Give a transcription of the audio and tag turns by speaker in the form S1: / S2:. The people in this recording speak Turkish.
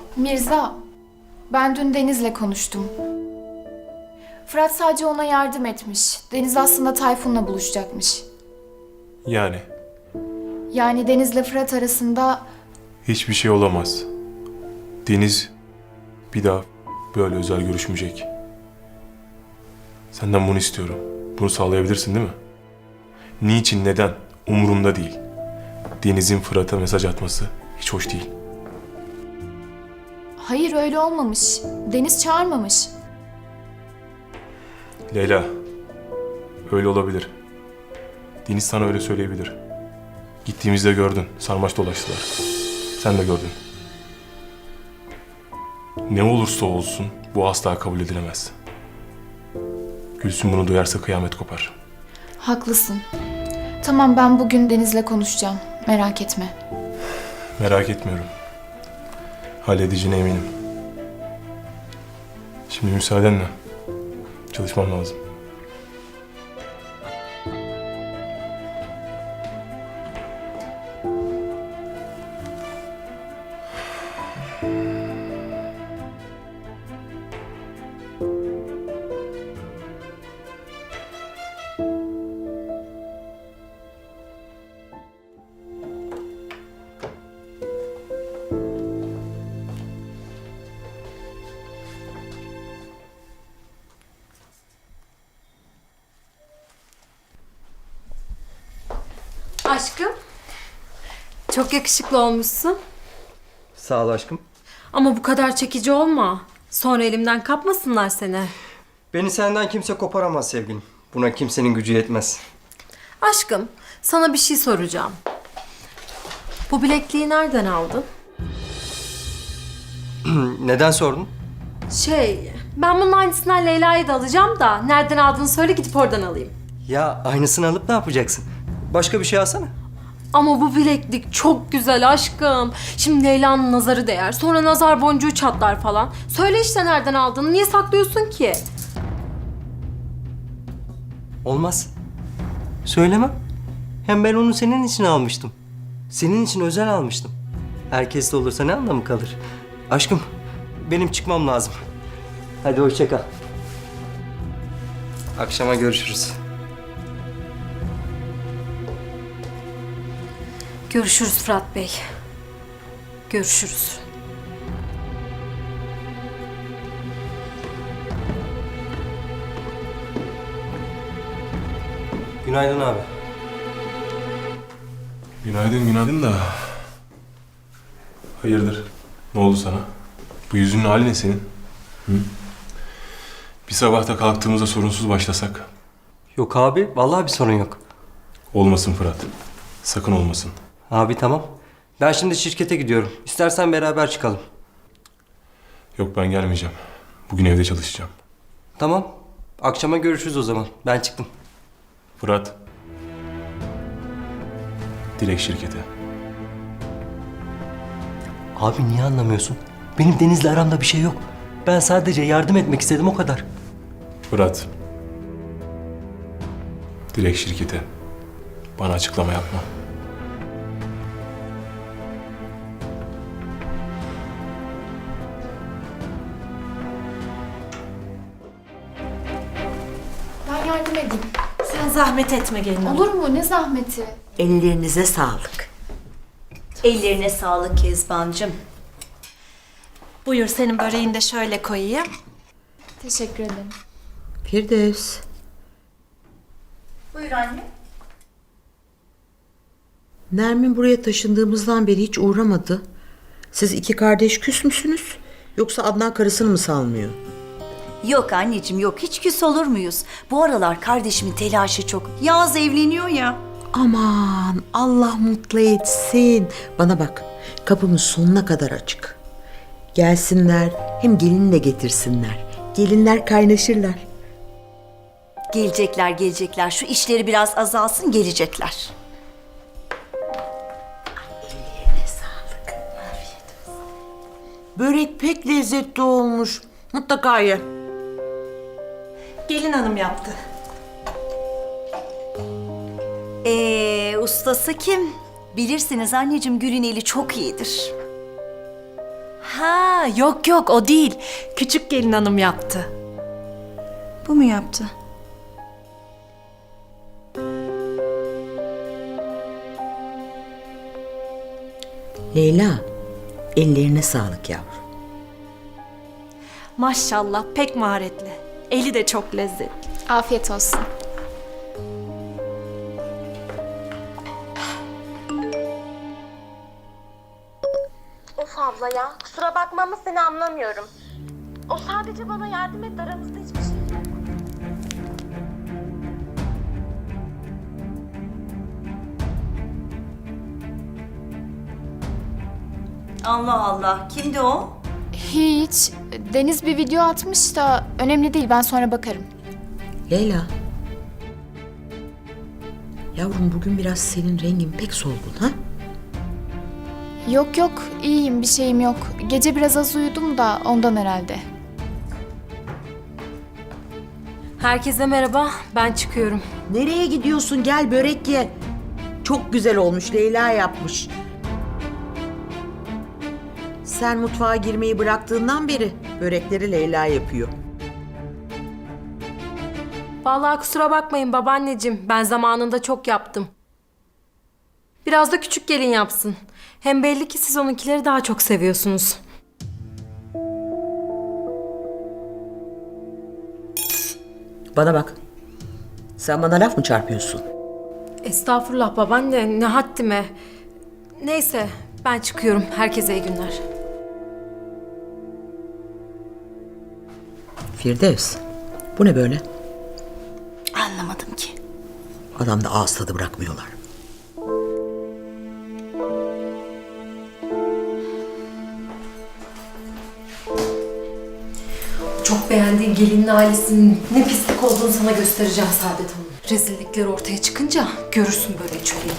S1: Mirza, ben dün Deniz'le konuştum. Fırat sadece ona yardım etmiş. Deniz aslında Tayfun'la buluşacakmış.
S2: Yani
S1: Yani Deniz'le Fırat arasında
S2: hiçbir şey olamaz. Deniz bir daha böyle özel görüşmeyecek. Senden bunu istiyorum. Bunu sağlayabilirsin değil mi? Niçin, neden? Umurumda değil. Deniz'in Fırat'a mesaj atması hiç hoş değil.
S1: hayır öyle olmamış. Deniz çağırmamış.
S2: Leyla, öyle olabilir. Deniz sana öyle söyleyebilir. Gittiğimizde gördün, sarmaş dolaştılar. Sen de gördün. Ne olursa olsun bu asla kabul edilemez. Gülsün bunu duyarsa kıyamet kopar.
S1: Haklısın. Tamam ben bugün Deniz'le konuşacağım. Merak etme.
S2: Merak etmiyorum. Halledeceğine eminim. Şimdi müsaadenle çalışmam lazım.
S3: Aşkım, çok yakışıklı olmuşsun.
S4: Sağ ol aşkım.
S3: Ama bu kadar çekici olma. Sonra elimden kapmasınlar seni.
S4: Beni senden kimse koparamaz sevgilim. Buna kimsenin gücü yetmez.
S3: Aşkım, sana bir şey soracağım. Bu bilekliği nereden aldın?
S4: Neden sordun?
S3: Ben bunun aynısından Leyla'yı da alacağım da nereden aldığını söyle gidip oradan alayım.
S4: Ya aynısını alıp ne yapacaksın? Başka bir şey alsana.
S3: Ama bu bileklik çok güzel aşkım. Şimdi Leyla'nın nazarı değer. Sonra nazar boncuğu çatlar falan. Söyle işte nereden aldığını. Niye saklıyorsun ki?
S4: Olmaz. Söylemem. Hem ben onu senin için almıştım. Senin için özel almıştım. Herkes de olursa ne anlamı kalır? Aşkım, benim çıkmam lazım. Hadi hoşça kal. Akşama görüşürüz.
S3: Görüşürüz Fırat Bey. Görüşürüz.
S4: Günaydın abi.
S2: Günaydın, günaydın da... Hayırdır? Ne oldu sana? Bu yüzünün hali ne senin? Hı? Bir sabahta kalktığımızda sorunsuz başlasak.
S4: Yok abi, vallahi bir sorun yok.
S2: Olmasın Fırat. Sakın olmasın.
S4: Abi tamam. Ben şimdi şirkete gidiyorum. İstersen beraber çıkalım.
S2: Yok ben gelmeyeceğim. Bugün evde çalışacağım.
S4: Tamam. Akşama görüşürüz o zaman. Ben çıktım.
S2: Fırat. Dilek şirketi.
S4: Abi niye anlamıyorsun? Benim Deniz'le aramda bir şey yok. Ben sadece yardım etmek istedim o kadar.
S2: Fırat. Dilek şirketi. Bana açıklama yapma.
S1: Ben yardım edeyim.
S5: Sen zahmet etme gelin hanım.
S1: Olur mu? Ne zahmeti?
S5: Ellerinize sağlık.
S6: Ellerine sağlık Kezbancığım.
S5: Buyur senin böreğini de şöyle koyayım.
S1: Teşekkür ederim.
S5: Firdevs.
S6: Buyur anne.
S7: Nermin buraya taşındığımızdan beri hiç uğramadı. Siz iki kardeş küs müsünüz? Yoksa Adnan karısını mı salmıyor?
S6: Yok anneciğim yok, hiç küs olur muyuz? Bu aralar kardeşimin telaşı çok. Yağız evleniyor ya.
S7: Aman Allah mutlu etsin. Bana bak, kapımız sonuna kadar açık. Gelsinler, hem gelini de getirsinler. Gelinler kaynaşırlar.
S6: Gelecekler gelecekler. Şu işleri biraz azalsın, gelecekler.
S7: Börek pek lezzetli olmuş. Mutlaka ye.
S5: Gelin hanım yaptı.
S6: Ustası kim? Bilirsiniz anneciğim, Gül'ün eli çok iyidir.
S5: Ha, yok yok o değil. Küçük gelin hanım yaptı.
S6: Bu mu yaptı?
S7: Leyla, ellerine sağlık yavrum.
S5: Maşallah pek maharetli. Eli de çok lezzetli.
S1: Afiyet olsun.
S8: Of abla ya, kusura bakma ama seni anlamıyorum. O sadece bana yardım etti, aramızda hiçbir şey yok.
S6: Allah Allah. Kimdi o?
S1: Hiç. Deniz bir video atmış da önemli değil, ben sonra bakarım.
S7: Leyla. Yavrum bugün biraz senin rengin pek solgun ha?
S1: Yok yok, iyiyim, bir şeyim yok. Gece biraz az uyudum da ondan herhalde.
S3: Herkese merhaba, ben çıkıyorum.
S7: Nereye gidiyorsun? Gel börek ye. Çok güzel olmuş. Leyla yapmış. Sen mutfağa girmeyi bıraktığından beri börekleri Leyla yapıyor.
S3: Vallahi kusura bakmayın babaanneciğim, ben zamanında çok yaptım. Biraz da küçük gelin yapsın. Hem belli ki siz onunkileri daha çok seviyorsunuz.
S7: Bana bak. Sen bana laf mı çarpıyorsun?
S3: Estağfurullah babaanne, ne haddime. Neyse, ben çıkıyorum. Herkese iyi günler.
S7: Firdevs. Bu ne böyle?
S6: Anlamadım ki.
S7: Adamda ağız tadı bırakmıyorlar.
S3: Çok beğendiğin gelinin ailesinin ne pislik olduğunu sana göstereceğim Saadet Hanım. Rezillikler ortaya çıkınca görürsün böyle çöreği.